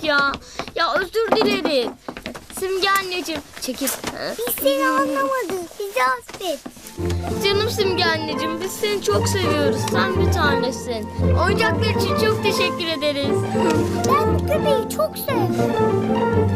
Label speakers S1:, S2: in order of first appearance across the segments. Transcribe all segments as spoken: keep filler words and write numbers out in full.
S1: ya. Ya özür dileriz. Simge anneciğim çekil.
S2: Biz seni anlamadık. Bizi affet.
S1: Canım Simge anneciğim biz seni çok seviyoruz. Sen bir tanesin. Oyuncaklar için çok teşekkür ederiz.
S2: Ben bu köpeği çok sevdim.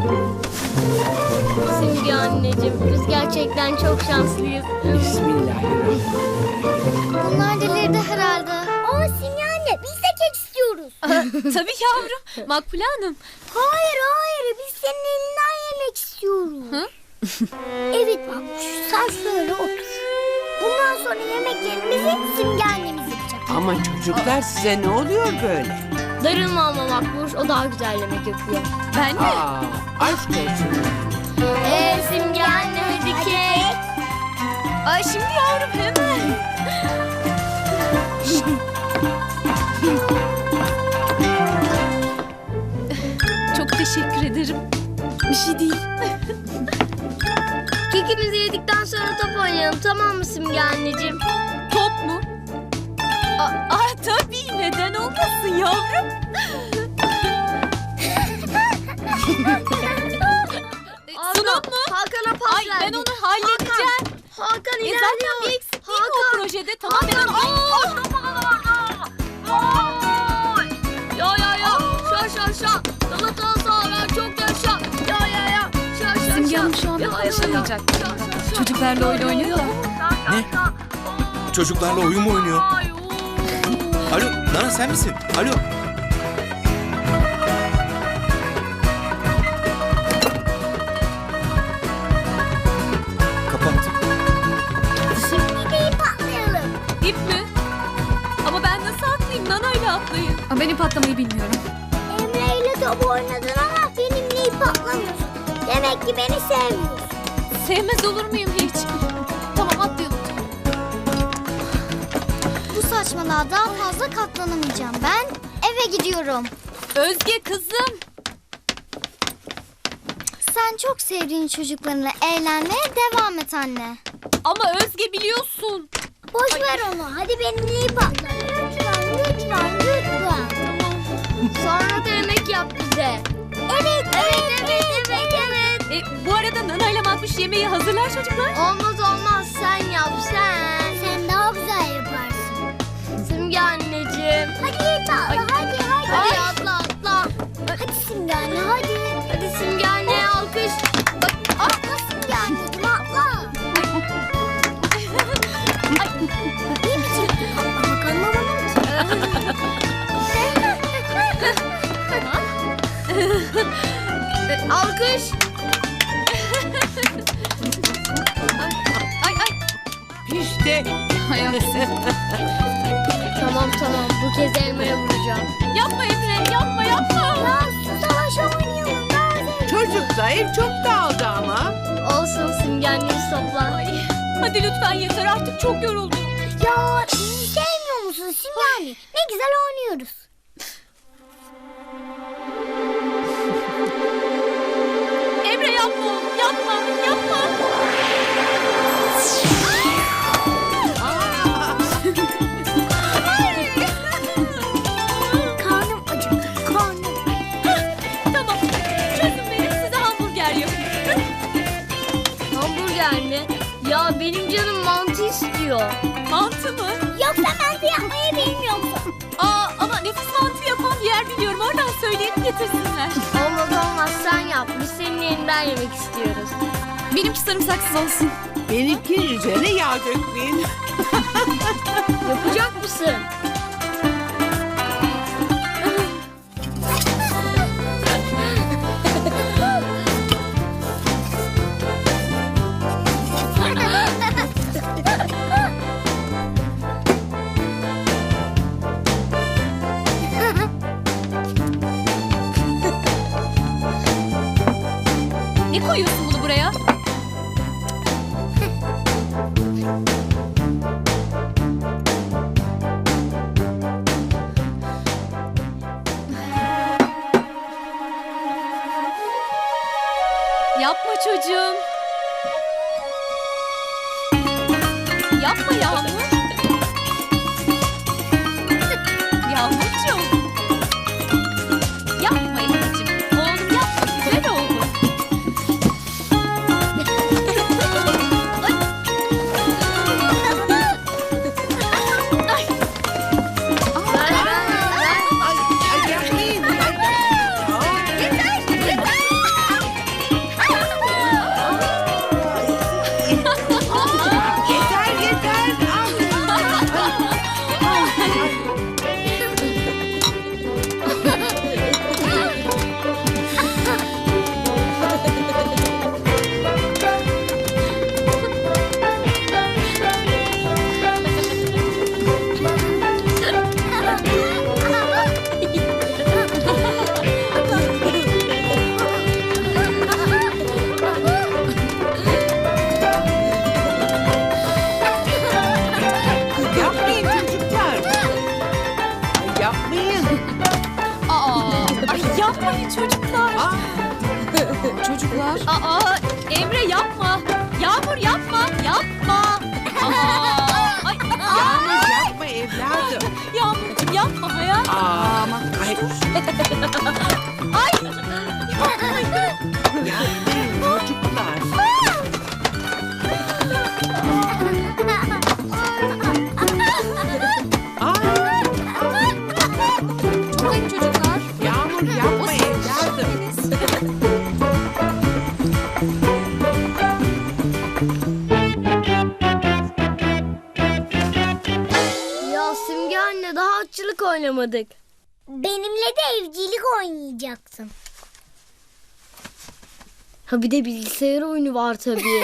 S1: Simge anneciğim biz gerçekten çok şanslıyız.
S3: Bismillahirrahmanirrahim.
S2: Bunlar delirdi herhalde. Aa Simge anne biz de kek istiyoruz.
S4: Tabii yavrum. Makbule Hanım.
S2: Hayır hayır biz senin elinden yemek istiyoruz.
S4: Hı?
S2: Evet Makbuş sen şöyle otur. Bundan sonra yemeklerimizi Simge annemiz yapacak.
S3: Ama çocuklar size ne oluyor böyle?
S1: Darılma ama Makbuş o daha güzel yemek yapıyor.
S4: Ben mi?
S3: Aa, aşk olsun.
S1: Eee Simge anne hadi kek.
S4: Ay şimdi yavrum hemen. Çok teşekkür ederim. Bir şey değil.
S1: Kekimizi yedikten sonra top oynayalım tamam mı Simge anneciğim?
S4: Top mu? Aa, aa, tabii neden olmasın yavrum? Sunum mu?
S1: Hakan'a pas
S4: Ay ben
S1: verdik.
S4: onu halledeceğim.
S1: Hakan
S4: E
S1: ilerliyor.
S4: zaten bir eksik değil mi o projede? Tamam ben onu...
S1: Ya ya ya. Şa şa şa. Galatasaray çok yaşa. Ya ya ya. Şa şa şa.
S4: Simge Hanım şu anda
S1: Ya, ya, ya.
S4: konuşamayacak.
S1: Şa, şa, şa.
S4: Çocuklarla oyun oynuyor da.
S5: Ne? Çocuklarla oyun mu oynuyor?
S1: Ay, oo.
S5: Alo, Nana sen misin? Alo. Kapattım.
S2: Şimdi de ip atlayalım.
S4: İp mi? Ama ben nasıl atlayayım? Nana'yla atlayayım. Ben ip atlamayı bilmiyorum.
S2: Emre ile top oynadın ama benimle ip atlamıyorsun. Demek ki beni sevmiyorsun.
S4: Sevmez olur muyum hiç? Tamam atlayalım.
S2: Bu saçmalığa daha fazla katlanamayacağım. Ben eve gidiyorum.
S4: Özge kızım.
S2: Sen çok sevdiğin çocuklarınla eğlenmeye devam et anne.
S4: Ama Özge biliyorsun.
S2: Boş ver onu. Hadi benimle ip atla. Lütfen, lütfen, lütfen.
S1: Sonra da yemek yap bize.
S2: Evet, evet, evet, evet, evet.
S4: E, bu arada Nana'yla Makbuş yemeği hazırlar çocuklar.
S1: Olmaz olmaz sen yap sen.
S2: Sen daha güzel yaparsın.
S1: Simge anneciğim.
S2: Hadi ip atla, hadi, hadi.
S1: Hadi atla atla.
S2: Hadi Simge anne, hadi.
S1: Hadi Simge anneye alkış.
S2: Bak, atla Simge anneciğim, atla. Ne biçim ip atlamak anlamadım ki.
S1: Alkış.
S4: Ay ay.
S3: İşte.
S1: Tamam tamam bu kez elmaya vuracağım.
S4: Yapma Emre yapma yapma.
S2: Ya su savaşı oynayalım, nerede?
S3: Çocuklar ev çok dağıldı ama.
S1: Olsun Simge annemiz toplan.
S4: Ay, hadi lütfen yeter artık çok yoruldum.
S2: Ya bizi sevmiyor musun Simge anne? Ne güzel oynuyoruz.
S4: Emre yapma oğlum yapma yapma.
S2: Karnım acıktı, karnım.
S4: Tamam çözün beni size hamburger yapayım.
S1: Hamburger mi? Ya benim canım mantı istiyor.
S4: Mantı mı?
S2: Yoksa mantı yapmayı bilmiyor musun?
S4: Aa ama nefis mantı yapan bir yer biliyorum oradan söyleyip getirsinler.
S1: Olmaz olmaz sen yap. Biz senin elinden yemek istiyoruz.
S4: Benimki sarımsaksız olsun.
S3: Benimki üzerine yağ dökmeyin.
S1: Yapacak mısın?
S4: Ne koyuyorsun bunu buraya? Yapma çocuğum. Yapma Yağmur. Yağmurcuğum. Yapma anneciğim. Aa, ay yapmayın çocuklar.
S3: Aa,
S4: Çocuklar. Aa, Emre yapma. Yağmur yapma. Yapma. Aa, ay,
S3: Yağmur yapma evladım.
S4: Yağmurcuğum yapma hayatım.
S3: Aa, ay,
S4: Ay.
S3: yapmayın çocuklar. Aa,
S4: Hayır çocuklar.
S3: Yağmur yapma evladım.
S1: Ya Simge anne daha atçılık oynamadık.
S2: Benimle de evcilik oynayacaksın.
S1: Ha bir de bilgisayar oyunu var tabii.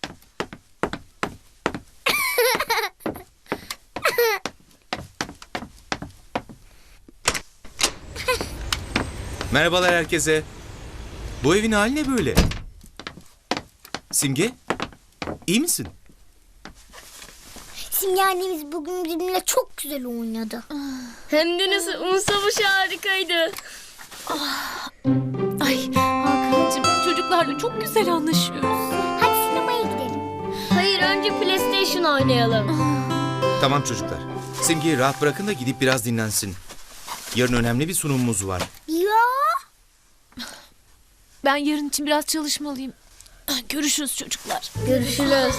S5: Merhabalar herkese. Bu evin hali ne böyle? Simge, iyi misin?
S2: Simge annemiz bugün bizimle çok güzel oynadı.
S1: Hem de nasıl un savaşı harikaydı.
S4: Ay Hakan'cığım çocuklarla çok güzel anlaşıyoruz.
S2: Hadi sinemaya gidelim.
S1: Hayır önce PlayStation oynayalım.
S5: Tamam çocuklar. Simge'yi rahat bırakın da gidip biraz dinlensin. Yarın önemli bir sunumumuz var.
S2: Ya.
S4: Ben yarın için biraz çalışmalıyım. Görüşürüz çocuklar.
S1: Görüşürüz.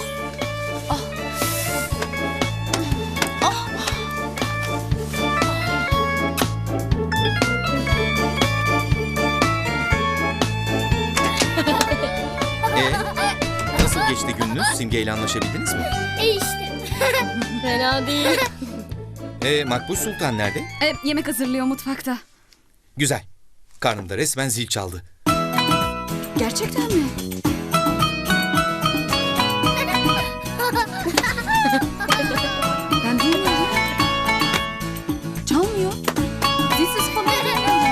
S5: Ee, nasıl geçti gününüz? Simge ile anlaşabildiniz mi?
S2: E işte.
S1: Fena değil.
S5: Ee, Makbuş Sultan nerede?
S6: E, yemek hazırlıyor mutfakta.
S5: Güzel. Karnımda resmen zil çaldı.
S6: Gerçekten mi? Ben bilmiyorum. Çalmıyor. Zilsiz falan gelmiyor.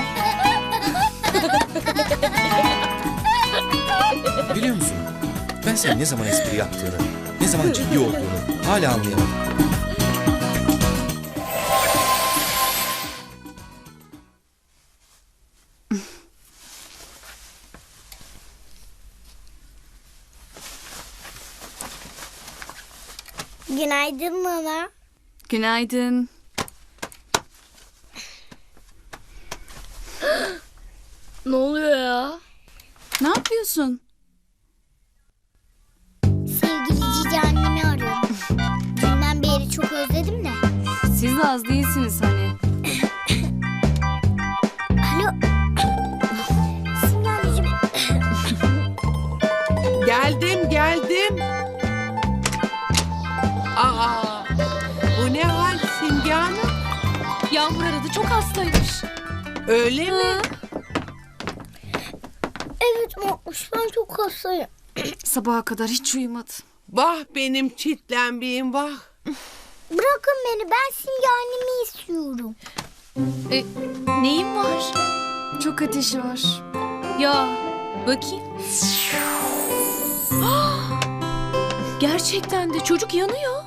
S5: Biliyor musun? Ben senin ne zaman espri yaptığını, ne zaman ciddi olduğunu hala anlayamadım.
S2: Günaydın Nana.
S6: Günaydın.
S1: Ne oluyor ya?
S6: Ne yapıyorsun?
S2: Sevgili cici annemi arıyorum. Dünden beri çok özledim de.
S6: Siz de az değilsiniz hani.
S2: Alo. Simge anneciğim.
S3: Geldim geldim. Aa, bu ne hal Simge Hanım?
S4: Yağmur aradı çok hastaymış.
S3: Öyle mi?
S2: Evet Makbuş ben çok hastayım.
S6: Sabaha kadar hiç uyumadı.
S3: Vah benim çitlenbiğim vah.
S2: Bırakın beni ben Simge annemi istiyorum.
S4: E, neyin var?
S6: Çok ateşi var.
S4: Ya bakayım. Gerçekten de çocuk yanıyor.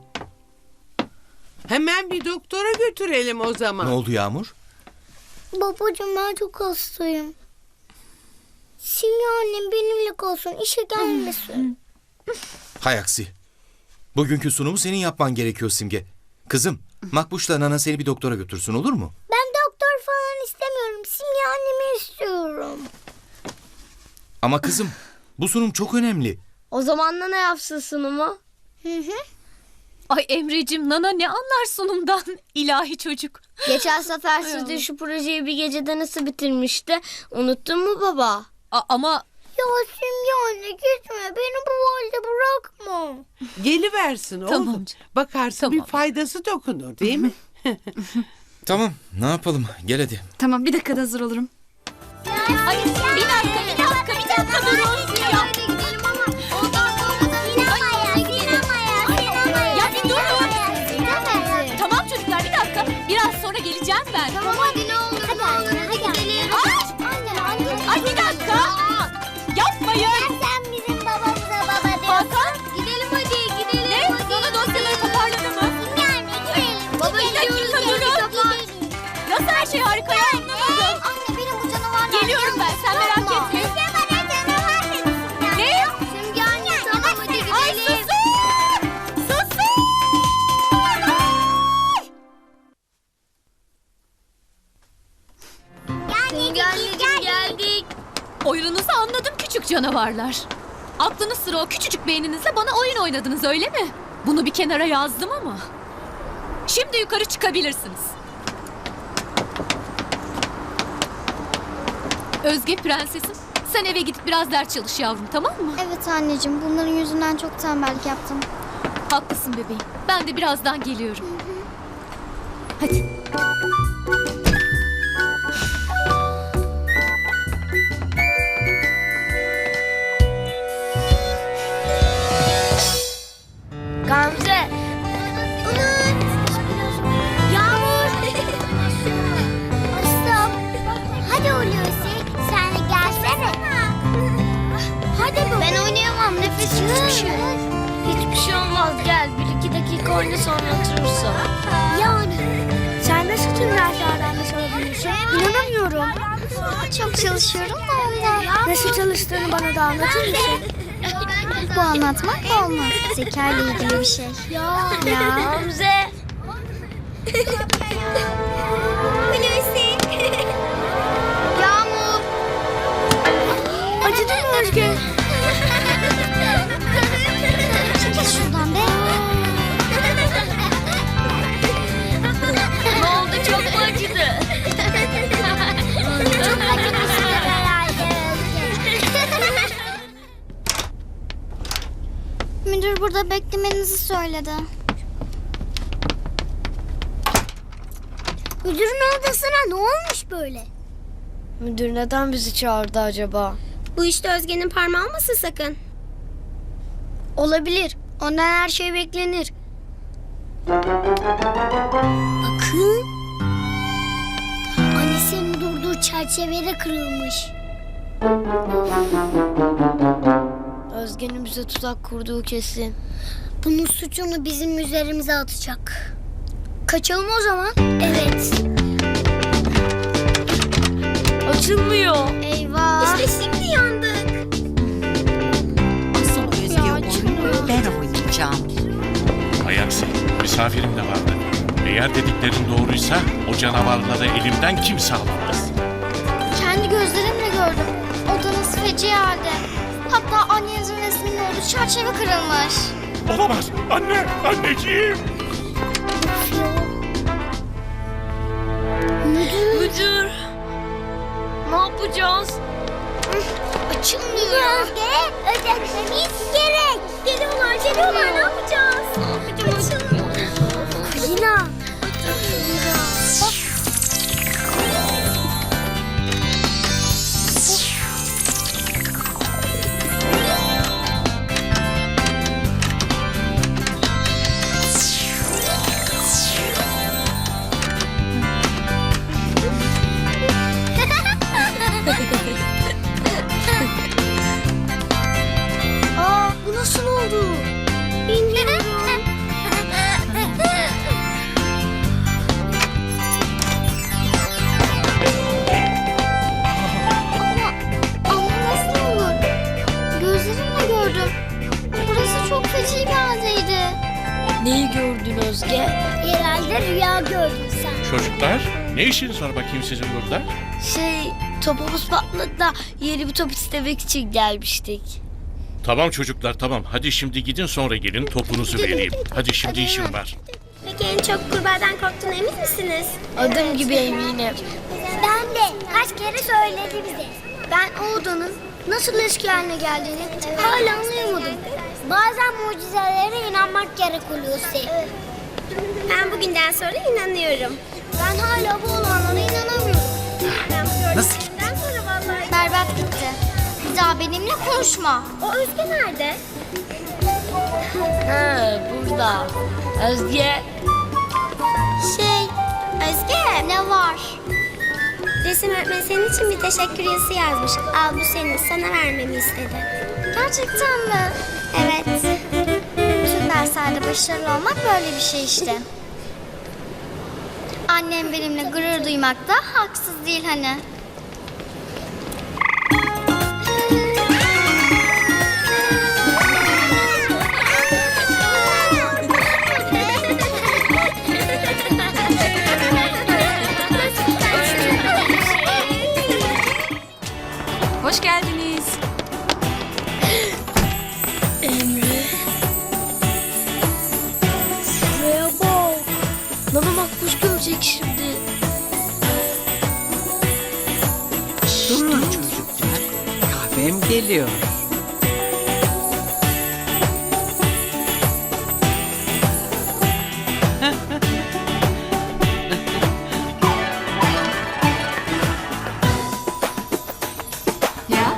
S3: Hemen bir doktora götürelim o zaman.
S5: Ne oldu Yağmur?
S2: Babacığım ben çok hastayım. Simge annem benimle kalsın işe gelmesin.
S5: Hay aksi. Bugünkü sunumu senin yapman gerekiyor Simge. Kızım, Makbuş'la Nana seni bir doktora götürsün olur mu?
S2: Ben doktor falan istemiyorum. Simge annemi istiyorum.
S5: Ama kızım, bu sunum çok önemli.
S1: O zaman da ne yapsın sunumu?
S2: Hı hı.
S4: Ay Emre'cim Nana ne anlar sunumdan? İlahi çocuk.
S1: Geçen sefer sizde şu projeyi bir gecede nasıl bitirmişti? Unuttun mu baba?
S4: A- ama
S2: Ya Simge anne gitme. Beni bu halde bırakma.
S3: Geliversin oğlum.
S4: Tamam canım.
S3: Bakarsın
S4: Tamam.
S3: bir faydası dokunur değil mi?
S5: Tamam, ne yapalım? Gel hadi.
S6: Tamam bir dakikada hazır olurum.
S4: ay, bir dakika bir dakika bir dakika durun. Ya,
S2: gidelim ama ondan sonra da sinemaya, sinemaya, sinemaya.
S4: Ya bir durun.
S2: Sinemaya.
S4: Tamam çocuklar bir dakika. Biraz sonra geleceğim ben.
S2: Tamam hadi ne olur hadi, ne olur hadi gidelim.
S4: Ay,
S2: Anne anne.
S4: ay bir dakika. Yapmayın.
S2: Sen bizim babamıza baba diyorsun.
S4: Hakan.
S2: Gidelim hadi gidelim.
S4: Ne? Nana dosyaları toparladı mı?
S2: Yani gidelim.
S1: Baba,
S2: gidelim.
S1: gidiyoruz,
S2: Gidelim,
S1: gidiyoruz.
S2: gidelim.
S4: Nasıl her şey harika ya, anlamadım.
S2: Anne benim bu canavarlar...
S4: Geliyorum ben, sen merak
S2: Yapma.
S4: etme.
S2: Bize bana canavar dedi Simge.
S4: Ne?
S2: Simge anne tamam hadi gidelim.
S4: Ay susun! Susun!
S2: Simge anneciğim geldik.
S4: Oyununuzu anladım küçük canavarlar. Aklınız sıra o küçücük beyninizle bana oyun oynadınız, öyle mi? Bunu bir kenara yazdım ama. Şimdi yukarı çıkabilirsiniz. Özge prensesim, sen eve gidip biraz ders çalış yavrum, tamam mı?
S2: Evet anneciğim bunların yüzünden çok tembellik yaptım.
S4: Haklısın bebeğim. Ben de birazdan geliyorum. Hadi.
S2: Gamze. Umut. Yağmur. Aslan. Hadi Hulusi sen de gelsene. Hadi bu. Ben oynayamam nefesim tutuşuyor.
S1: Hiçbir şey olmaz gel. Bir iki dakika oyna sonra oturursun.
S2: Yani. Sen nasıl tüm derslerden de çalabiliyorsun? İnanamıyorum. Çok çalışıyorum da ondan. Nasıl çalıştığını bana da anlatır mısın? Bu anlatmak olmaz. Zeka ile ilgili bir şey. Ya. Ya.
S1: Gamze.
S2: Hulusi. Yağmur. Acıdı mı Özge? Çekil şuradan be.
S1: Ne oldu çok mu acıdı?
S2: Çok acımışsın herhalde Özge. Müdür burada beklemenizi söyledi. Müdürün odasına ne olmuş böyle?
S1: Müdür neden bizi çağırdı acaba?
S2: Bu işte Özge'nin parmağı olmasın sakın. Olabilir. Ondan her şey beklenir. Bakın. Annesinin durduğu çerçevede kırılmış.
S1: Özge'nin bize tuzak kurduğu kesin.
S2: Bunun suçunu bizim üzerimize atacak. Kaçalım o zaman. Evet.
S1: Açılmıyor.
S2: Eyvah. İşte şimdi yandık.
S3: Asıl Özge oyunu ben oynayacağım.
S7: Ayaksi, misafirim de vardı. Eğer dediklerin doğruysa o canavarları elimden kimse alamaz.
S2: Kendi gözlerimle gördüm. Odanız feci halde. Hatta annenizin resminin olduğu çerçeve kırılmış.
S7: Olamaz. Anne, anneciğim.
S2: Müdür.
S1: Müdür. Ne yapacağız?
S2: Açılmıyor. Özge, ödememiz gerek. Geliyorlar, geliyorlar. Ne yapacağız? Ne yapacağız? Kulina. Aa, bu nasıl oldu? Bilmiyorum. ama, ama nasıl olur? Gözlerimle gördüm. Burası çok feci bir haldeydi.
S1: Neyi gördün Özge?
S2: Herhalde rüya gördün sen.
S7: Çocuklar, ne işiniz var bakayım sizin burada?
S1: Şey, topumuz patladı da yeni bir top istemek için gelmiştik.
S7: Tamam çocuklar, tamam. Hadi şimdi gidin sonra gelin topunuzu vereyim. Hadi şimdi işim var.
S2: Peki en çok kurbağadan korktuğuna emin misiniz?
S1: Adım gibi eminim.
S2: Ben de. Kaç kere söyledi bize. Ben o odanın nasıl eski haline geldiğini hala anlayamadım. Bazen mucizelere inanmak gerek Hulusi. Ben bugünden sonra inanıyorum. Ben hala bu olanlara inanamıyorum.
S5: Nasıl?
S2: Ben sonra vallahi... Berbat gitti. Bir daha benimle konuşma. O Özge nerede?
S1: Ha, burada. Özge.
S2: Şey, Özge ne var? Resim öğretmeni senin için bir teşekkür yazısı yazmış. Al bu senin, sana vermemi istedi. Gerçekten mi? Evet. Bütün derslerde başarılı olmak böyle bir şey işte. Annem benimle gurur duymakta haksız değil hani.
S6: Hoş geldiniz.
S1: Şuraya bak. Nana Makbuş görecek şimdi.
S3: Durun çocuklar. Kahvem geliyor.
S6: Ya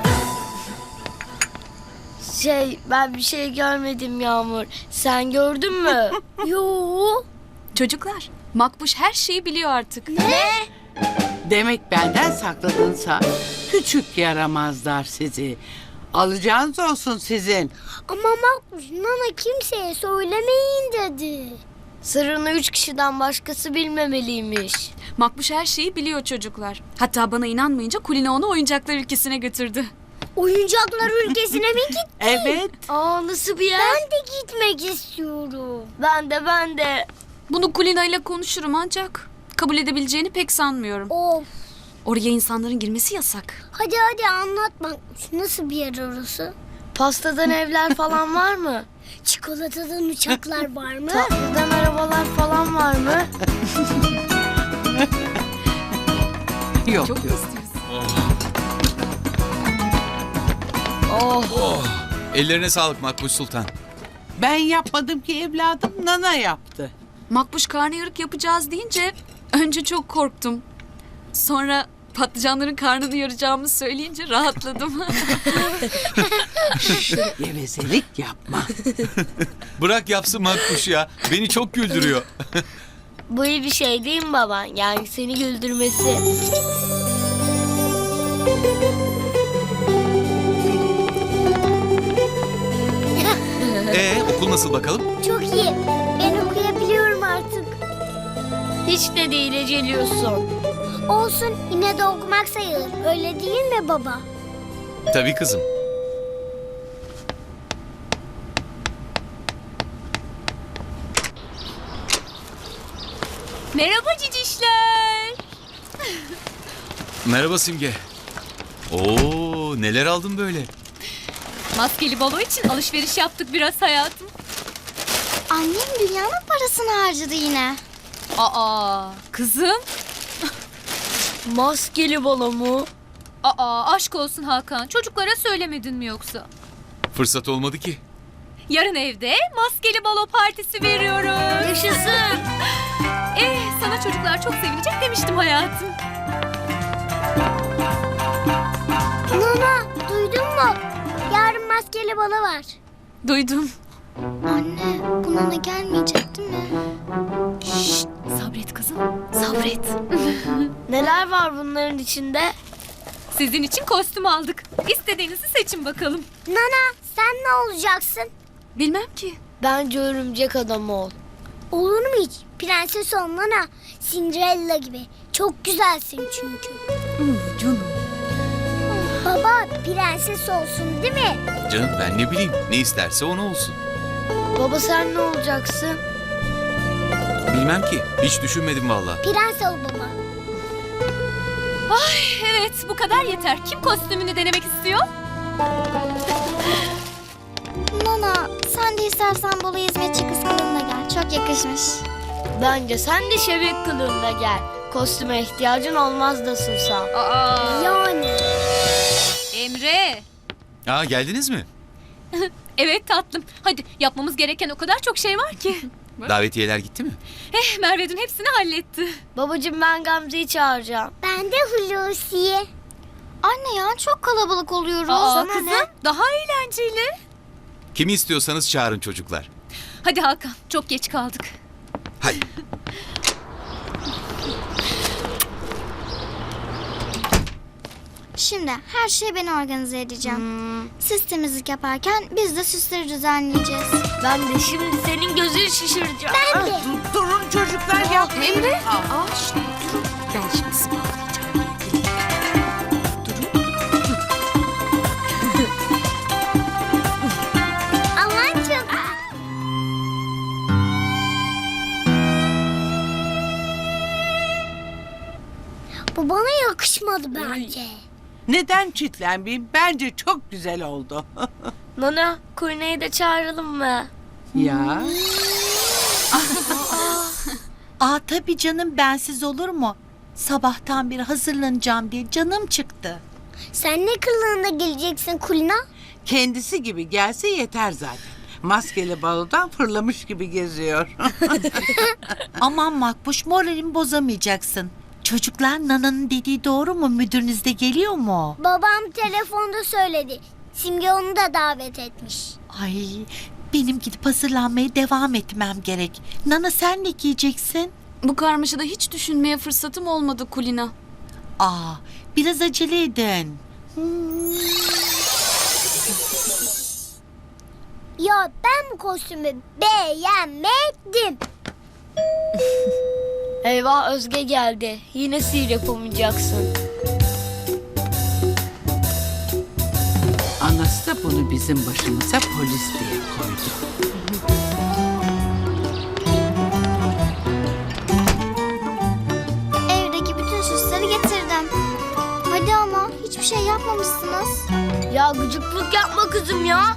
S1: Şey ben bir şey görmedim Yağmur. Sen gördün mü? Yo.
S6: çocuklar, Makbuş her şeyi biliyor artık.
S3: Demek benden sakladınsa küçük yaramazlar sizi. Alacağınız olsun sizin.
S2: Ama Makbuş Nana kimseye söylemeyin dedi.
S1: Sırrını üç kişiden başkası bilmemeliymiş.
S6: Makbuş her şeyi biliyor çocuklar. Hatta bana inanmayınca Kulina onu oyuncaklar ülkesine götürdü.
S2: Oyuncaklar ülkesine mi gitti?
S3: Evet.
S1: Aa nasıl bir yer?
S2: Ben de gitmek istiyorum.
S1: Ben de ben de.
S6: Bunu Kulina ile konuşurum ancak kabul edebileceğini pek sanmıyorum.
S2: Of.
S6: Oraya insanların girmesi yasak.
S2: Hadi hadi anlat Makbuş. Nasıl bir yer orası?
S1: Pastadan evler falan var mı?
S2: Çikolatadan uçaklar var mı?
S1: Tatlıdan arabalar falan var mı?
S3: Yok.
S6: Çok mu istiyorsun?
S1: Oh.
S5: Ellerine sağlık Makbuş Sultan.
S3: Ben yapmadım ki evladım, Nana yaptı.
S6: Makbuş karnıyarık yapacağız deyince önce çok korktum. Sonra patlıcanların karnını yaracağımı söyleyince rahatladım.
S3: Gevezelik yapma.
S5: Bırak yapsın Makbuş ya. Beni çok güldürüyor.
S1: Bu iyi bir şey değil mi baba? Yani seni güldürmesi.
S5: Ee, okul nasıl bakalım?
S2: Çok iyi. Ben okuyabiliyorum artık.
S1: Hiç de değil eceliyorsun.
S2: Olsun yine de okumak sayılır. Öyle değil mi baba?
S5: Tabii kızım.
S4: Merhaba cicişler.
S5: Merhaba Simge. Oo, neler aldın böyle?
S4: Maskeli balo için alışveriş yaptık biraz hayatım.
S2: Annem dünyanın parasını harcadı yine.
S4: Aa kızım.
S1: Maskeli balo mu?
S4: Aa aşk olsun Hakan. Çocuklara söylemedin mi yoksa?
S5: Fırsat olmadı ki.
S4: Yarın evde maskeli balo partisi veriyoruz.
S1: Yaşasın.
S4: Eh sana çocuklar çok sevinecek demiştim hayatım.
S2: Nana duydun mu? Yarın maskeli balo var.
S6: Duydum.
S2: Anne bu Nana gelmeyecek değil mi?
S4: Şşt, sabret kızım. Sabret.
S1: Neler var bunların içinde?
S4: Sizin için kostüm aldık. İstediğinizi seçin bakalım.
S2: Nana sen ne olacaksın?
S6: Bilmem ki.
S1: Bence örümcek adam ol.
S2: Olur mu hiç? Prenses ol Nana. Cinderella gibi. Çok güzelsin çünkü.
S6: Hmm, canım.
S2: Baba prenses olsun değil mi?
S5: Canım ben ne bileyim. Ne isterse onu olsun.
S1: Baba sen ne olacaksın?
S5: Bilmem ki. Hiç düşünmedim vallahi.
S2: Prens ol baba.
S4: Evet bu kadar yeter. Kim kostümünü denemek istiyor?
S2: Nana sen de istersen Bolu hizmetçi kız kılığına gel. Çok yakışmış.
S1: Bence sen de şebek kılığında gel. Kostüme ihtiyacın olmaz nasılsa.
S4: Aa,
S2: Yani.
S4: Emre.
S5: Aa, geldiniz mi?
S4: Evet tatlım. Hadi yapmamız gereken o kadar çok şey var ki.
S5: Davetiyeler gitti mi?
S4: Eh Merve dün hepsini halletti.
S1: Babacığım ben Gamze'yi çağıracağım.
S2: Ben de Hulusi'ye. Anne ya çok kalabalık oluyoruz.
S4: Aa,
S2: Sana
S4: kızım
S2: ne?
S4: daha eğlenceli.
S5: Kimi istiyorsanız çağırın çocuklar.
S4: Hadi Hakan çok geç kaldık.
S5: Hadi.
S8: Şimdi her şeyi ben organize edeceğim. Siz temizlik yaparken biz de süsleri düzenleyeceğiz.
S1: Ben de şimdi senin gözünü şişireceğim.
S2: Ben de.
S3: Durun çocuklar yapmayın.
S6: Emre.
S3: Aa,
S6: Aa, şunu durun. Ben şimdi sıvazlayacağım.
S2: Aman çok. Bu bana yakışmadı bence.
S3: Neden çitlenmeyeyim? Bence çok güzel oldu.
S1: Nana, Kulina'yı da çağıralım mı?
S3: Ya.
S9: Aa tabii canım, bensiz olur mu? Sabahtan beri hazırlanacağım diye canım çıktı.
S2: Sen ne kılığında geleceksin Kulina?
S3: Kendisi gibi gelse yeter zaten. Maskeli balodan fırlamış gibi geziyor.
S9: Aman Makbuş, moralimi bozamayacaksın. Çocuklar, Nana'nın dediği doğru mu? Müdürünüz de geliyor mu?
S2: Babam telefonda söyledi. Simge onu da davet etmiş.
S9: Ay, benim gidip hazırlanmaya devam etmem gerek. Nana, sen ne giyeceksin?
S6: Bu karmaşada hiç düşünmeye fırsatım olmadı Kulina.
S9: Aa, biraz acele edin.
S2: Ya ben bu kostümü beğenmedim.
S1: Eyvah, Özge geldi. Yine sihir yapamayacaksın.
S3: Anası da bunu bizim başımıza polis diye koydu.
S8: Evdeki bütün süsleri getirdim. Hadi ama hiçbir şey yapmamışsınız.
S1: Ya gıcıklık yapma kızım ya.